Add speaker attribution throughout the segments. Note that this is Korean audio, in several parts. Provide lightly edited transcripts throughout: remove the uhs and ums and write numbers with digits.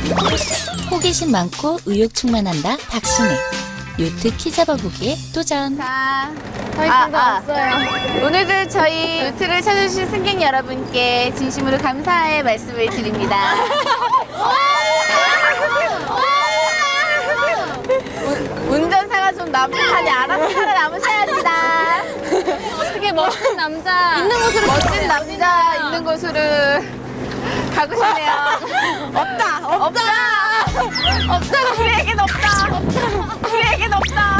Speaker 1: 호기심 많고 의욕 충만한다 박신혜. 요트 키 잡아보기에 도전.
Speaker 2: 자, 저희 팀도 왔어요. 오늘도 저희 요트를 찾아주신 승객 여러분께 진심으로 감사의 말씀을 드립니다. 운전사가 좀 나쁘다니 알아서 살아남으셔야지다.
Speaker 3: 어떻게 멋진 남자 있는 곳으로
Speaker 2: 멋진 남자 있는 곳으로 가고 싶네요. 없다. 우리에겐 없다. 우리에겐 없다.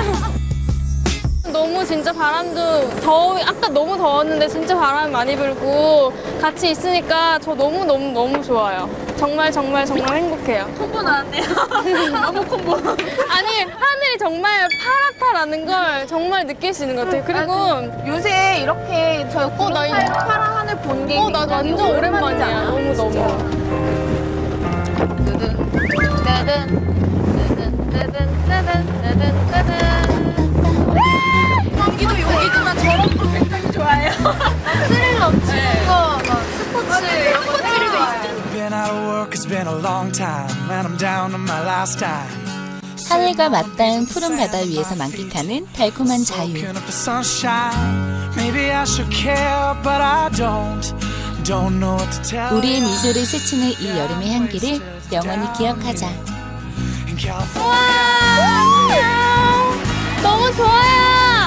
Speaker 3: 너무 진짜 바람도 아까 너무 더웠는데 진짜 바람이 많이 불고 같이 있으니까 저 너무 좋아요. 정말 행복해요.
Speaker 2: 콤보 나왔네요. 너무 콤보.
Speaker 3: 아니 하늘이 정말 파랗다라는 걸 정말 느낄 수 있는 것 같아요. 그리고
Speaker 2: 요새 이렇게 저 구름 사이로 파란 하늘 본 게
Speaker 3: 나 완전 오랜만이야. 너무.
Speaker 2: 여기도만 저런 거 굉장히 좋아해요. 스릴 넘치는 거, 스포츠 이런 거 되게 좋아해요.
Speaker 1: 하늘과 맞닿은 푸른 바다 위에서 만끽하는 달콤한 자유. 우리의 미소를 스치는 이 여름의 향기를 영원히 기억하자.
Speaker 3: 와 너무 좋아요.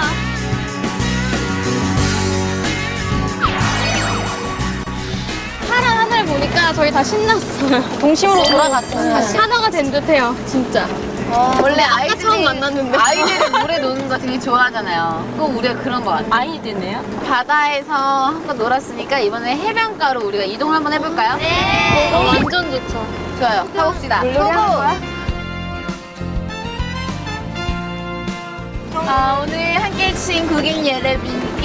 Speaker 3: 파란 하늘 보니까 저희 다 신났어요. 동심으로 돌아갔어요. 다시 하나가 된 듯해요, 진짜.
Speaker 2: 원래
Speaker 3: 처음 만났는데.
Speaker 2: 아이들이 물에 노는 거 되게 좋아하잖아요. 꼭 우리가 그런 거 같아요.
Speaker 3: 아이들네요?
Speaker 2: 바다에서 한번 놀았으니까 이번에 해변가로 우리가 이동을 한번 해볼까요?
Speaker 3: 네. 완전 좋죠.
Speaker 2: 좋아요. 가봅시다.
Speaker 3: 물놀이 하는 거야?
Speaker 2: 오늘 함께 해주신 고객 여러분